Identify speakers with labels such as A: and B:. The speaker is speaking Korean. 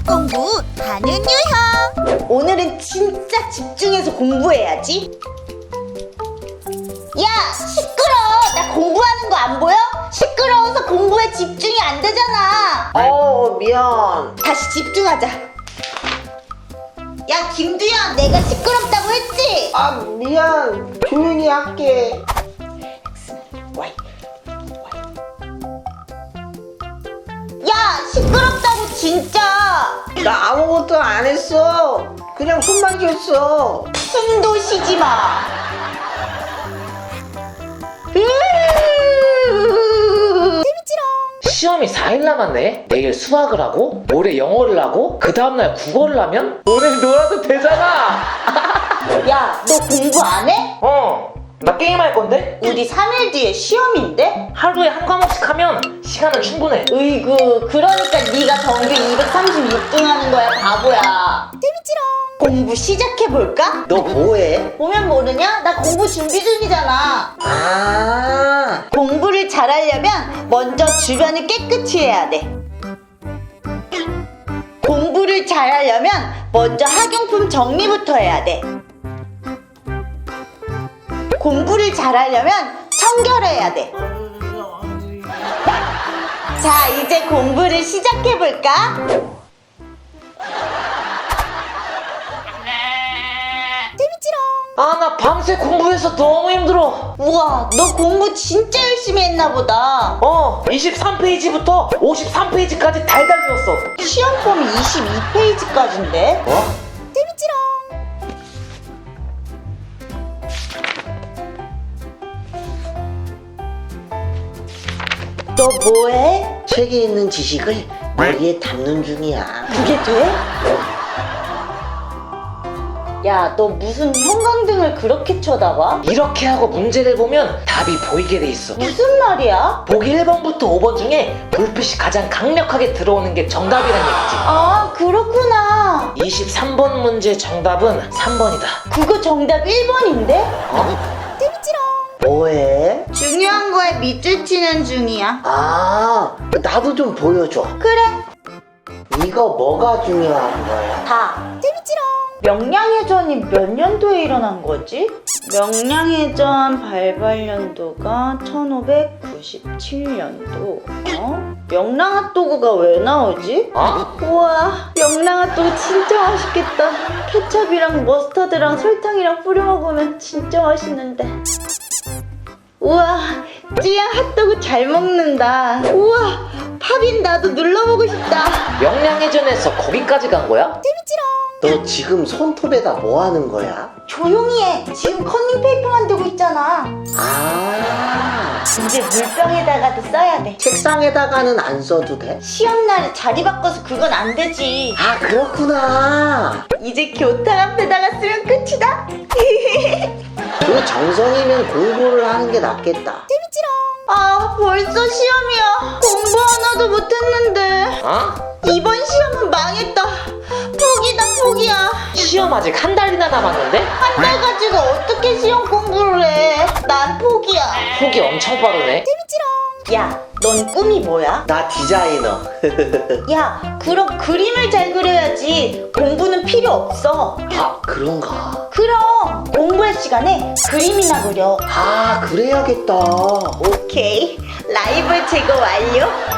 A: 공부하는 유형.
B: 오늘은 진짜 집중해서 공부해야지. 야, 시끄러워. 나 공부하는 거 안 보여? 시끄러워서 공부에 집중이 안 되잖아.
C: 미안.
B: 다시 집중하자. 야, 김두현, 내가 시끄럽다고 했지?
C: 미안. 조용히 할게.
B: 와이. 야, 시끄럽다고 진짜.
C: 나 아무것도 안 했어. 그냥 숨만 쉬었어.
B: 숨도 쉬지 마.
D: 시험이 4일 남았네? 내일 수학을 하고 모레 영어를 하고 그 다음날 국어를 하면 오늘 놀아도 되잖아.
B: 야, 너 공부 안 해?
D: 나 게임할 건데?
B: 우리 3일 뒤에 시험인데?
D: 하루에 한 과목씩 하면 시간은 충분해.
B: 으이구, 그러니까 네가 정규 236등 하는 거야, 바보야. 공부 시작해볼까?
C: 너 뭐해?
B: 보면 모르냐? 나 공부 준비 중이잖아. 공부를 잘하려면 먼저 주변을 깨끗이 해야 돼. 공부를 잘하려면 먼저 학용품 정리부터 해야 돼. 공부를 잘하려면 청결해야 돼. 자, 이제 공부를 시작해볼까?
D: 나 밤새 공부해서 너무 힘들어.
B: 우와, 너 공부 진짜 열심히 했나 보다.
D: 23페이지부터 53페이지까지 달달 외웠어.
B: 시험범위 22페이지까지인데? 너 뭐해?
C: 책에 있는 지식을 머리에 담는 중이야.
B: 그게 돼? 야, 너 무슨 형광등을 그렇게 쳐다봐?
D: 이렇게 하고 문제를 보면 답이 보이게 돼 있어.
B: 무슨 말이야?
D: 보기 1번부터 5번 중에 불빛이 가장 강력하게 들어오는 게 정답이란 얘기지.
B: 아, 그렇구나.
D: 23번 문제 정답은 3번이다.
B: 그거 정답 1번인데?
C: 뭐해?
B: 중요한 거에 밑줄 치는 중이야.
C: 나도 좀 보여줘.
B: 그래,
C: 이거 뭐가 중요한 거야?
B: 다. 명량해전이 몇 년도에 일어난 거지? 명량해전 발발연도가 1597년도. 명랑핫도그가 왜 나오지? 우와, 명랑핫도그 진짜 맛있겠다. 케첩이랑 머스타드랑 설탕이랑 뿌려 먹으면 진짜 맛있는데. 우와, 찌양 핫도그 잘 먹는다. 우와, 팝인 나도 눌러보고 싶다.
D: 명량해전에서 거기까지 간 거야?
C: 너 지금 손톱에다 뭐 하는 거야?
B: 조용히 해. 지금 커닝페이퍼 만들고 있잖아. 이제 물병에다가도 써야 돼.
C: 책상에다가는 안 써도 돼?
B: 시험날에 자리 바꿔서 그건 안 되지.
C: 그렇구나.
B: 이제 교탁 앞에다가 쓰면 끝이다.
C: 그 정성이면 공부를 하는 게 낫겠다.
B: 아, 벌써 시험이야. 공부 하나도 못했는데. 이번 시험은 망했다. 포기다, 포기야.
D: 시험 아직 한 달이나 남았는데?
B: 한 달 가지고 어떻게 시험 공부를 해? 난 포기야.
D: 폭이 엄청 빠르네.
B: 야, 넌 꿈이 뭐야?
C: 나 디자이너.
B: 야, 그럼 그림을 잘 그려야지. 공부는 필요 없어.
C: 그런가?
B: 그럼 공부할 시간에 그림이나 그려.
C: 그래야겠다.
B: 오케이, 라이벌 제거 완료.